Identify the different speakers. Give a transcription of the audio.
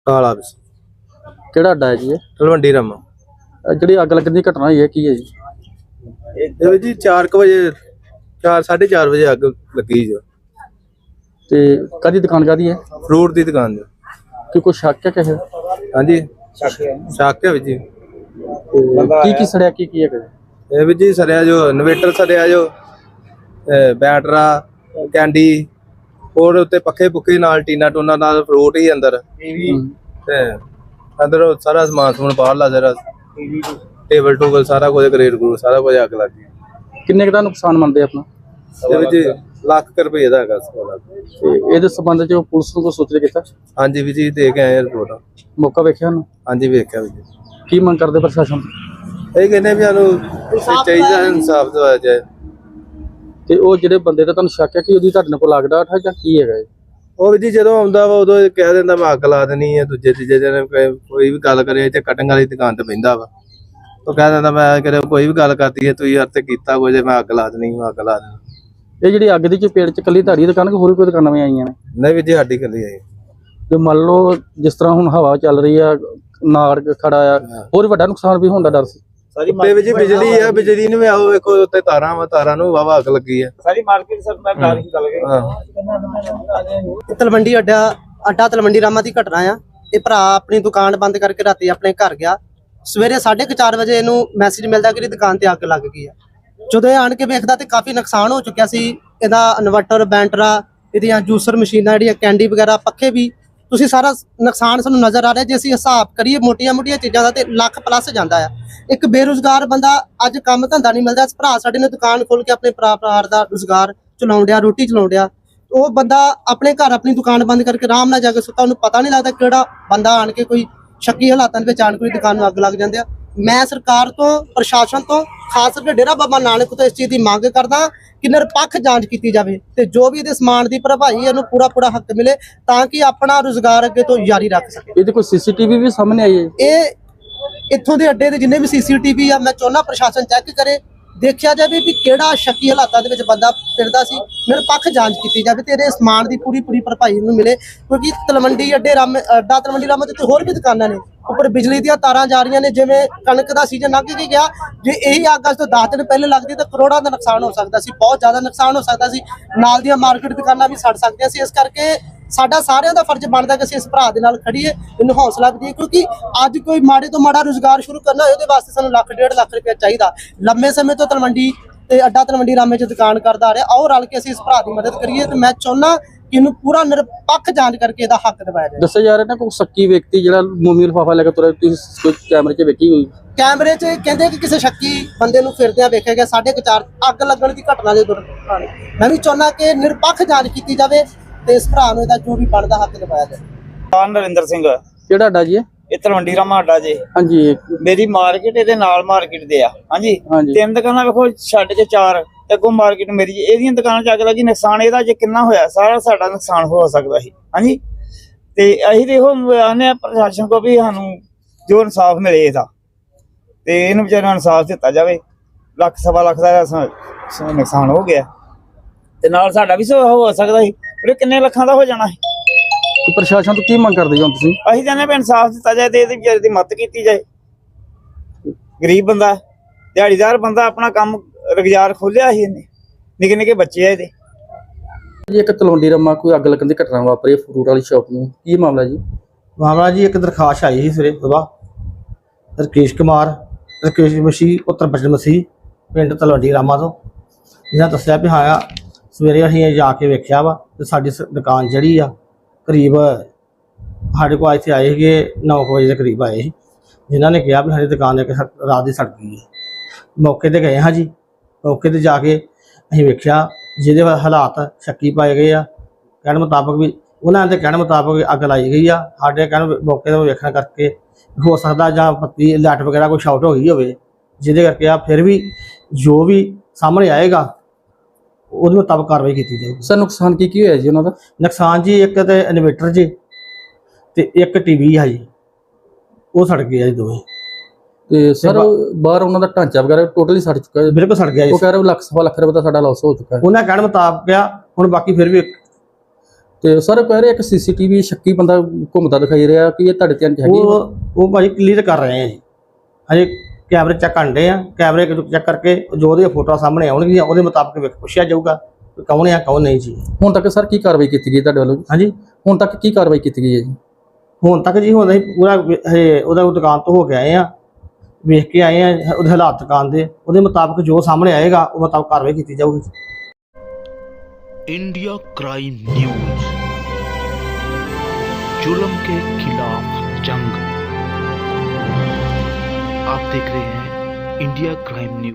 Speaker 1: ਕਾਲਾ ਵਿੱਚ
Speaker 2: ਕਿਹੜਾ ਅੱਡਾ ਹੈ ਜੀ ਇਹ?
Speaker 1: ਤਲਵੰਡੀ ਰਾਮਾ।
Speaker 2: ਜਿਹੜੀ ਅੱਗ ਲੱਗਣ ਦੀ ਘਟਨਾ ਹੋਈ ਹੈ ਕੀ ਹੈ ਜੀ?
Speaker 1: ਇਹ ਜੀ 4 ਵਜੇ 4:30 ਵਜੇ ਅੱਗ ਲੱਗੀ ਜੋ
Speaker 2: ਤੇ ਕਾਹਦੀ ਦੁਕਾਨ ਕਾਹਦੀ ਹੈ?
Speaker 1: ਫਰੂਟ ਦੀ ਦੁਕਾਨ ਜੋ।
Speaker 2: ਕਿ ਕੋਈ ਸ਼ੱਕ ਹੈ ਕਿਸੇ ਦਾ?
Speaker 1: ਹਾਂਜੀ ਸ਼ੱਕ ਹੈ ਜੀ।
Speaker 2: ਕੀ ਕੀ ਸੜਿਆ ਕੀ ਹੈ?
Speaker 1: ਇਹ ਵੀ ਜੀ ਸਰਿਆ ਜੋ ਇਨਵੇਟਰ ਸਰਿਆ ਜੋ ਬੈਟਰਾ ਕੈਂਡੀ ਹੋਰ ਉੱਤੇ ਪੱਖੇ ਪੁੱਖੇ ਨਾਲ ਟੀਨਾ ਟੋਨਾ ਨਾਲ ਫਰੂਟ ਹੀ ਅੰਦਰ ਤੇ ਅੰਦਰ ਸਾਰਾ ਸਮਾਨ ਸਮੂਨ ਬਾਹਰਲਾ ਜਰਾ ਟੇਬਲ ਟੂਬਲ ਸਾਰਾ ਕੁਝ ਗ੍ਰੇਡ ਗਰੂ ਸਾਰਾ ਕੁਝ ਅੱਗ ਲੱਗ ਗਈ।
Speaker 2: ਕਿੰਨੇ ਕੁ ਦਾ ਨੁਕਸਾਨ ਮੰਨਦੇ ਆਪਣਾ?
Speaker 1: ਇਹ ਵੀ ਜੀ ਲੱਖ ਰੁਪਏ ਦਾ ਹੈਗਾ ਸੋਲਾ।
Speaker 2: ਤੇ ਇਹਦੇ ਸੰਬੰਧ ਚ ਪੁਲਿਸ ਨੂੰ ਕੋਈ ਸੂਚਿਤ ਕੀਤਾ?
Speaker 1: ਹਾਂਜੀ ਵੀ ਜੀ ਦੇ ਕੇ ਆਏ ਰਿਪੋਰਟ।
Speaker 2: ਮੌਕਾ ਵੇਖਿਆ ਉਹਨੂੰ?
Speaker 1: ਹਾਂਜੀ ਵੇਖਿਆ ਵੀ ਜੀ।
Speaker 2: ਕੀ ਮੰਗ ਕਰਦੇ ਪ੍ਰਸ਼ਾਸਨ?
Speaker 1: ਇਹ ਕਹਿੰਦੇ ਵੀ ਸਾਨੂੰ ਚਾਹੀਦਾ ਇਨਸਾਫ ਦਵਾਇਆ ਜਾਏ।
Speaker 2: ਤੇ ਉਹ ਜਿਹੜੇ ਬੰਦੇ ਦਾ ਤੁਹਾਨੂੰ ਸ਼ੱਕ ਹੈ ਕਿ ਉਹਦੀ ਤੁਹਾਡੇ ਕੋਲ ਲੱਗਦਾ ਠਾ ਜਾਂ ਕੀ ਹੈਗਾ?
Speaker 1: ਉਹ ਵੀ ਜੀ ਜਦੋਂ ਆਉਂਦਾ ਵਾ ਉਦੋਂ ਕਹਿ ਦਿੰਦਾ ਮੈਂ ਅੱਗ ਲਾ ਦੇਣੀ ਹੈ। ਦੂਜੇ ਤੀਜੇ ਦਿਨ ਕੋਈ ਵੀ ਗੱਲ ਕਰੇ ਤੇ ਕਟਿੰਗ ਵਾਲੀ ਦੁਕਾਨ ਤੇ ਬਹਿੰਦਾ ਵਾ। ਉਹ ਕਹਿ ਦਿੰਦਾ ਮੈਂ ਕਰੇ ਕੋਈ ਵੀ ਗੱਲ ਕਰਦੀ ਹੈ ਤੁਸੀਂ ਹੱਥ ਕੀਤਾ ਕੁਝ ਮੈਂ ਅੱਗ ਲਾ ਦੇਣੀ ਅੱਗ ਲਾ ਦੇਣੀ।
Speaker 2: ਇਹ ਜਿਹੜੀ ਅੱਗ ਦੀ ਚਪੇਟ ਚ ਕੱਲੀ ਤੁਹਾਡੀ ਦੁਕਾਨ ਕਿ ਹੋਰ ਕੋਈ ਦੁਕਾਨਾਂ ਵੀ ਆਈਆਂ ਨੇ?
Speaker 1: ਨਹੀਂ ਵੀ ਜੀ ਸਾਡੀ ਇਕੱਲੀ ਆਈ।
Speaker 2: ਤੇ ਮੰਨ ਲਓ ਜਿਸ ਤਰ੍ਹਾਂ ਹੁਣ ਹਵਾ ਚੱਲ ਰਹੀ ਆ ਨਾੜ ਖੜਾ ਆ ਹੋਰ ਵੱਡਾ ਨੁਕਸਾਨ ਵੀ ਹੋਣ ਦਾ ਡਰ ਸੀ?
Speaker 1: ਉੱਤੇ ਵੀ ਜੀ ਬਿਜਲੀ ਆ ਬਿਜਲੀ ਨੂੰ ਵੀ ਆਓ ਵੇਖੋ ਉੱਤੇ ਤਾਰਾਂ ਵਾ ਤਾਰਾਂ ਨੂੰ ਵਾਵਾ ਅੱਗ ਲੱਗੀ ਆ ਸਾਰੀ ਮਾਰਕੀਟ ਸਰ ਮੈਂ ਕਾਰ ਹੀ ਗੱਲ
Speaker 3: ਗਈ। ਤਲਵੰਡੀ ਅੱਡਾ ਤਲਵੰਡੀ ਰਾਮਾ ਦੀ ਘਟਨਾ ਆ। ਇਹ ਭਰਾ ਆਪਣੀ ਦੁਕਾਨ ਬੰਦ ਕਰਕੇ ਰਾਤੀ ਆਪਣੇ ਘਰ ਗਿਆ। ਸਵੇਰੇ 4:30 ਵਜੇ ਇਹਨੂੰ ਮੈਸੇਜ ਮਿਲਦਾ ਕਿ ਇਹਦੀ ਦੁਕਾਨ ਤੇ ਅੱਗ ਲੱਗ ਗਈ ਆ। ਜਦੋਂ ਇਹ ਆਣ ਕੇ ਵੇਖਦਾ ਤੇ ਕਾਫੀ ਨੁਕਸਾਨ ਹੋ ਚੁੱਕਿਆ ਸੀ। ਇਹਦਾ ਇਨਵਰਟਰ ਬੈਂਟਰਾ ਇਹਦੀਆਂ ਜੂਸਰ ਮਸ਼ੀਨਾਂ ਜਿਹੜੀਆਂ ਕੈਂਡੀ ਵਗੈਰਾ ਪੱਖੇ ਵੀ ਤੁਸੀਂ ਸਾਰਾ ਨੁਕਸਾਨ ਸਾਨੂੰ ਨਜ਼ਰ ਆ ਰਿਹਾ। ਜੇ ਅਸੀਂ ਹਿਸਾਬ ਕਰੀਏ ਮੋਟੀਆਂ ਚੀਜ਼ਾਂ ਦਾ ਤੇ ਲੱਖ ਪਲੱਸ ਜਾਂਦਾ ਆ। ਇੱਕ ਬੇਰੁਜ਼ਗਾਰ ਬੰਦਾ ਅੱਜ ਕੰਮ ਧੰਦਾ ਨਹੀਂ ਮਿਲਦਾ। ਭਰਾ ਸਾਡੇ ਨੇ ਦੁਕਾਨ ਖੋਲ ਕੇ ਆਪਣੇ ਪਰਿਵਾਰ ਦਾ ਰੁਜ਼ਗਾਰ ਚਲਾਉਣ ਡਿਆ ਰੋਟੀ ਚਲਾਉਣ ਡਿਆ। ਉਹ ਬੰਦਾ ਆਪਣੇ ਘਰ ਆਪਣੀ ਦੁਕਾਨ ਬੰਦ ਕਰਕੇ ਆਰਾਮ ਨਾਲ ਜਾ ਕੇ ਸੁੱਤਾ। ਉਹਨੂੰ ਪਤਾ ਨਹੀਂ ਲੱਗਦਾ ਕਿਹੜਾ ਬੰਦਾ ਆਣ ਕੇ ਕੋਈ ਸ਼ੱਕੀ ਹਾਲਾਤਾਂ ਦੇ ਵਿੱਚ ਆਣ ਕੇ ਦੁਕਾਨ ਨੂੰ ਅੱਗ ਲੱਗ ਜਾਂਦੇ ਆ। ਮੈਂ ਸਰਕਾਰ ਤੋਂ ਪ੍ਰਸ਼ਾਸਨ ਤੋਂ ਖਾਸ ਕਰਕੇ ਡੇਰਾ ਬਾਬਾ ਨਾਨਕ ਤੋਂ ਇਸ ਚੀਜ਼ ਦੀ ਮੰਗ ਕਰਦਾ ਕਿ ਨਿਰਪੱਖ ਜਾਂਚ ਕੀਤੀ ਜਾਵੇ ਤੇ ਜੋ ਵੀ ਇਹਦੇ ਸਮਾਨ ਦੀ ਭਰਪਾਈ ਇਹਨੂੰ ਪੂਰਾ ਹੱਕ ਮਿਲੇ ਤਾਂ ਕਿ ਆਪਣਾ ਰੁਜ਼ਗਾਰ ਅੱਗੇ ਤੋਂ ਜਾਰੀ ਰੱਖ ਸਕੇ।
Speaker 2: ਇਹਦੇ ਕੋਈ ਸੀਸੀਟੀਵੀ ਵੀ ਸਾਹਮਣੇ ਆਈ ਹੈ?
Speaker 3: ਇਹ ਇੱਥੋਂ ਦੇ ਅੱਡੇ ਦੇ ਜਿੰਨੇ ਵੀ ਸੀਸੀਟੀਵੀ ਆ ਮੈਂ ਚਾਹੁੰਦਾ ਪ੍ਰਸ਼ਾਸਨ ਚੈੱਕ ਕਰੇ ਦੇਖਿਆ ਜਾਵੇ ਵੀ ਕਿਹੜਾ ਸ਼ੱਕੀ ਹਾਲਾਤਾਂ ਦੇ ਵਿੱਚ ਬੰਦਾ ਫਿਰਦਾ ਸੀ। ਨਿਰਪੱਖ ਜਾਂਚ ਕੀਤੀ ਜਾਵੇ ਤੇ ਇਹਦੇ ਸਮਾਨ ਦੀ ਪੂਰੀ ਭਰਪਾਈ ਨੂੰ ਮਿਲੇ ਕਿਉਂਕਿ ਤਲਵੰਡੀ ਅੱਡਾ ਤਲਵੰਡੀ ਰਾਮਾ ਤੇ ਹੋਰ ਵੀ ਦੁਕਾਨਾਂ ਨੇ ਉੱਪਰ ਬਿਜਲੀ ਦੀਆਂ ਤਾਰਾਂ ਜਾ ਰਹੀਆਂ ਨੇ। ਜਿਵੇਂ ਕਣਕ ਦਾ ਸੀਜ਼ਨ ਲੰਘ ਕੇ ਗਿਆ ਜੇ ਇਹੀ ਅੱਗ ਅੱਜ ਤੋਂ 10 ਦਿਨ ਪਹਿਲੇ ਲੱਗਦੀ ਤਾਂ ਕਰੋੜਾਂ ਦਾ ਨੁਕਸਾਨ ਹੋ ਸਕਦਾ ਸੀ। ਬਹੁਤ ਜ਼ਿਆਦਾ ਨੁਕਸਾਨ ਹੋ ਸਕਦਾ ਸੀ। ਨਾਲ ਦੀਆਂ ਮਾਰਕੀਟ ਦੁਕਾਨਾਂ ਵੀ ਸੜ ਸਕਦੀਆਂ ਸੀ। ਇਸ ਕਰਕੇ ਸਾਡਾ ਸਾਰਿਆਂ ਦਾ ਫਰਜ਼ ਬਣਦਾ ਕਿ ਅਸੀਂ ਇਸ ਭਰਾ ਦੇ ਨਾਲ ਖੜੀਏ ਇਹਨੂੰ ਹੌਸਲਾ ਦਈਏ ਕਿਉਂਕਿ ਅੱਜ ਕੋਈ ਮਾੜੇ ਤੋਂ ਮਾੜਾ ਰੁਜ਼ਗਾਰ ਸ਼ੁਰੂ ਕਰਨਾ ਹੋਏ ਉਹਦੇ ਵਾਸਤੇ ਸਾਨੂੰ 1.5 ਲੱਖ ਰੁਪਏ ਚਾਹੀਦਾ। ਲੰਮੇ ਸਮੇਂ ਤੋਂ ਤਲਵੰਡੀ ਤੇ ਅੱਡਾ ਤਲਵੰਡੀ ਰਾਮੇ 'ਚ ਦੁਕਾਨ ਕਰਦਾ ਆ ਰਿਹਾ। ਆਓ ਰਲ ਕੇ ਅਸੀਂ ਇਸ ਭਰਾ ਦੀ ਮਦਦ ਕਰੀਏ ਤੇ ਮੈਂ ਚਾਹੁੰਦਾ ਕਿ ਇਹਨੂੰ ਪੂਰਾ ਨਿਰਪੱਖ ਜਾਂਚ ਕਰਕੇ ਇਹਦਾ ਹੱਕ ਦਿਵਾਇਆ ਜਾਏ।
Speaker 2: ਦੱਸਿਆ ਜਾ ਰਿਹਾ ਨਾ ਕੋਈ ਸ਼ੱਕੀ ਵਿਅਕਤੀ ਜਿਹੜਾ ਮੋਮੀ ਲਿਫਾਫਾ ਲੈ ਕੇ ਤੁਰਿਆ ਤੁਸੀਂ ਕੋਈ ਕੈਮਰੇ 'ਚ ਵੇਖੀ ਹੋਈ?
Speaker 3: ਕੈਮਰੇ 'ਚ ਕਹਿੰਦੇ ਕਿ ਕਿਸੇ ਸ਼ੱਕੀ ਬੰਦੇ ਨੂੰ ਫਿਰਦਿਆਂ ਵੇਖਿਆ ਗਿਆ 4:30 ਅੱਗ ਲੱਗਣ ਦੀ ਘਟਨਾ ਦੇ ਦੌਰਾਨ। ਮੈਂ ਵੀ ਚਾਹੁੰਦਾ ਕਿ ਨਿਰਪੱਖ ਜਾਂਚ ਕੀਤੀ ਜਾਵੇ ਤੇ ਇਸ ਭਰਾ ਨੂੰ ਇਹਦਾ ਜੋ ਵੀ ਬਣਦਾ ਹੱਕ ਦਿਵਾਇਆ ਜਾਏ।
Speaker 4: ਨਰਿੰਦਰ ਸਿੰਘ।
Speaker 2: ਕਿਹੜਾ ਅੱਡਾ ਜੀ?
Speaker 4: ਇਹ ਤਲਵੰਡੀ ਰਾਮਾ ਅੱਡਾ ਜੀ।
Speaker 2: ਹਾਂਜੀ
Speaker 4: ਮੇਰੀ ਮਾਰਕੀਟ ਇਹਦੇ ਨਾਲ ਮਾਰਕੀਟ ਦੇ ਆ। ਹਾਂਜੀ 3 ਦੁਕਾਨਾਂ ਵੇਖੋ ਛੱਡ ਕੇ 4 ਤੇ ਅੱਗੋਂ ਮਾਰਕੀਟ ਮੇਰੀ ਇਹਦੀਆਂ ਦੁਕਾਨਾਂ 'ਚ ਅੱਗ ਲੱਗੀ। ਨੁਕਸਾਨ ਇਹਦਾ ਜੇ ਕਿੰਨਾ ਹੋਇਆ ਸਾਰਾ ਸਾਡਾ ਨੁਕਸਾਨ ਹੋ ਸਕਦਾ ਸੀ। ਹਾਂਜੀ ਤੇ ਅਸੀਂ ਦੇਖੋ ਆਨੇ ਆ ਪ੍ਰਸ਼ਾਸਨ ਕੋ ਵੀ ਸਾਨੂੰ ਜੋ ਇਨਸਾਫ ਮਿਲੇ ਇਹਦਾ ਤੇ ਇਹਨੂੰ ਵਿਚਾਰਿਆਂ ਨੂੰ ਇਨਸਾਫ ਦਿੱਤਾ ਜਾਵੇ। 1 ਸਵਾ ਲੱਖ ਦਾ ਨੁਕਸਾਨ ਹੋ ਗਿਆ ਤੇ ਨਾਲ ਸਾਡਾ ਵੀ ਹੋ ਸਕਦਾ ਸੀ ਪਰ ਕਿੰਨੇ ਲੱਖਾਂ ਦਾ ਹੋ ਜਾਣਾ ਸੀ।
Speaker 2: ਪ੍ਰਸ਼ਾਸਨ ਤੋਂ ਕੀ ਮੰਗ ਕਰਦੇ ਹੋ ਤੁਸੀਂ?
Speaker 4: ਅਸੀਂ ਚਾਹੁੰਦੇ ਵੀ ਇਨਸਾਫ ਦਿੱਤਾ ਜਾਏ ਤੇ ਇਹਦੀ ਵਿਚਾਰੇ ਦੀ ਮਦਦ ਕੀਤੀ ਜਾਏ। ਗਰੀਬ ਬੰਦਾ ਦਿਹਾੜੀਦਾਰ ਬੰਦਾ ਆਪਣਾ ਕੰਮ ਰੁਜ਼ਗਾਰ ਖੋਲਿਆ ਸੀ ਇਹਨੇ ਨਿੱਕੇ ਬੱਚੇ ਆ ਇਹਦੇ।
Speaker 2: ਜੀ ਇੱਕ ਤਲਵੰਡੀ ਰਾਮਾ ਕੋਈ ਅੱਗ ਲੱਗਣ ਦੀ ਘਟਨਾ ਵਾਪਰੀ ਫਰੂਟ ਵਾਲੀ ਸ਼ਾਪ ਨੂੰ ਕੀ ਮਾਮਲਾ ਜੀ?
Speaker 5: ਮਾਮਲਾ ਜੀ ਇੱਕ ਦਰਖਾਸਤ ਆਈ ਸੀ ਸਵੇਰੇ ਸੁਬਾਹ ਰਕੇਸ਼ ਮਸੀਹ ਪੁੱਤਰ ਬਚਨ ਮਸੀਹ ਪਿੰਡ ਤਲਵੰਡੀ ਰਾਮਾ ਤੋਂ ਜਿਹਨਾਂ ਦੱਸਿਆ ਵੀ ਹਾਂ ਸਵੇਰੇ ਅਸੀਂ ਜਾ ਕੇ ਵੇਖਿਆ ਵਾ ਤੇ ਸਾਡੀ ਦੁਕਾਨ ਜਿਹੜੀ ਆ ਕਰੀਬ ਸਾਡੇ ਕੋਲ ਇੱਥੇ ਆਏ ਸੀਗੇ 9 ਵਜੇ ਦੇ ਕਰੀਬ ਆਏ ਸੀ ਜਿਨ੍ਹਾਂ ਨੇ ਕਿਹਾ ਵੀ ਸਾਡੀ ਦੁਕਾਨ ਇੱਕ ਰਾਤ ਦੀ ਸੜ ਗਈ ਹੈ। ਮੌਕੇ ਤੇ ਗਏ ਹਾਂ ਜੀ। ਮੌਕੇ ਤੇ ਜਾ ਕੇ ਅਸੀਂ ਵੇਖਿਆ ਜਿਹਦੇ ਹਾਲਾਤ ਸ਼ੱਕੀ ਪਾਏ ਗਏ ਆ। ਕਹਿਣ ਮੁਤਾਬਕ ਵੀ ਉਹਨਾਂ ਦੇ ਕਹਿਣ ਮੁਤਾਬਕ ਅੱਗ ਲਾਈ ਗਈ ਆ। ਸਾਡੇ ਕਹਿਣ ਮੌਕੇ ਤੋਂ ਵੇਖਣ ਕਰਕੇ ਹੋ ਸਕਦਾ ਜਾਂ ਬੱਤੀ ਲਾਈਟ ਵਗੈਰਾ ਕੋਈ ਸ਼ਾਰਟ ਹੋ ਗਈ ਹੋਵੇ ਜਿਹਦੇ ਕਰਕੇ ਆ ਫਿਰ ਵੀ ਜੋ ਵੀ ਸਾਹਮਣੇ ਆਏਗਾ ਉਹਦੇ ਮੁਤਾਬਕ ਕਾਰਵਾਈ ਕੀਤੀ ਜਾਊਗੀ।
Speaker 2: ਸਰ ਨੁਕਸਾਨ ਕੀ ਹੋਇਆ ਜੀ ਉਹਨਾਂ ਦਾ?
Speaker 5: ਨੁਕਸਾਨ ਜੀ ਇੱਕ ਤੇ ਇਨਵੇਟਰ ਜੀ ਤੇ ਇੱਕ ਟੀਵੀ ਆ ਜੀ ਉਹ ਸੜ ਗਏ ਆ ਜੀ ਦੋਵੇਂ।
Speaker 2: ਤੇ ਸਰ ਬਾਹਰ ਉਹਨਾਂ ਦਾ ਢਾਂਚਾ ਵਗੈਰਾ ਟੋਟਲੀ ਸੜ ਚੁੱਕਾ ਹੈ?
Speaker 5: ਬਿਲਕੁਲ ਸੜ ਗਿਆ ਜੀ।
Speaker 2: ਉਹ ਕਹਿ ਰਹੇ 1 ਲੱਖ ਰੁਪਏ ਦਾ ਸਾਡਾ ਲਾਸ ਹੋ ਚੁੱਕਾ ਹੈ।
Speaker 5: ਉਹਨਾਂ ਕਹਿਣ ਮੁਤਾਬਕ ਆ ਹੁਣ ਬਾਕੀ ਫਿਰ ਵੀ
Speaker 2: ਤੇ ਸਰ ਕਹਿ ਰਹੇ ਇੱਕ ਸੀਸੀਟੀਵੀ ਸ਼ੱਕੀ ਬੰਦਾ ਘੁੰਮਦਾ ਦਿਖਾਈ ਰਿਹਾ ਕਿ ਇਹ ਤੁਹਾਡੇ ਧਿਆਨ 'ਚ ਹੈਗੀ?
Speaker 5: ਉਹ ਭਾਜੀ ਕਲੀਅਰ ਕਰ ਰਹੇ ਆ ਜੀ, ਹਜੇ ਕੈਮਰੇ ਚੈੱਕ ਕਰਦੇ ਆ, ਕੈਮਰੇ ਚੈੱਕ ਕਰਕੇ ਜੋ ਉਹਦੀਆਂ ਫੋਟੋਆਂ ਸਾਹਮਣੇ ਆਉਣਗੀਆਂ ਉਹਦੇ ਮੁਤਾਬਕ ਵੇਖ ਪੁੱਛਿਆ ਜਾਊਗਾ ਕਿ ਕੌਣ ਆ ਕੌਣ ਨਹੀਂ ਜੀ।
Speaker 2: ਹੁਣ ਤੱਕ ਸਰ ਕੀ ਕਾਰਵਾਈ ਕੀਤੀ ਗਈ ਤੁਹਾਡੇ ਵੱਲੋਂ?
Speaker 5: ਹਾਂਜੀ,
Speaker 2: ਹੁਣ ਤੱਕ ਕੀ ਕਾਰਵਾਈ ਕੀਤੀ ਗਈ ਹੈ ਜੀ?
Speaker 5: ਹੁਣ ਤੱਕ ਜੀ ਹੁਣ ਅਸੀਂ ਪੂਰਾ ਹਜੇ ਉਹਦਾ ਦੁਕਾਨ ਤੋਂ ਹੋ ਕੇ ਆਏ ਆ, ਵੇਖ ਕੇ ਆਏ ਆ ਉਹਦੇ ਹਾਲਾਤ ਦੁਕਾਨ ਦੇ, ਉਹਦੇ ਮੁਤਾਬਕ ਜੋ ਸਾਹਮਣੇ ਆਏਗਾ ਉਹ ਮੁਤਾਬਕ ਕਾਰਵਾਈ ਕੀਤੀ ਜਾਊਗੀ।
Speaker 6: इंडिया क्राइम न्यूज, जुल्म के खिलाफ जंग। आप देख रहे हैं इंडिया क्राइम न्यूज।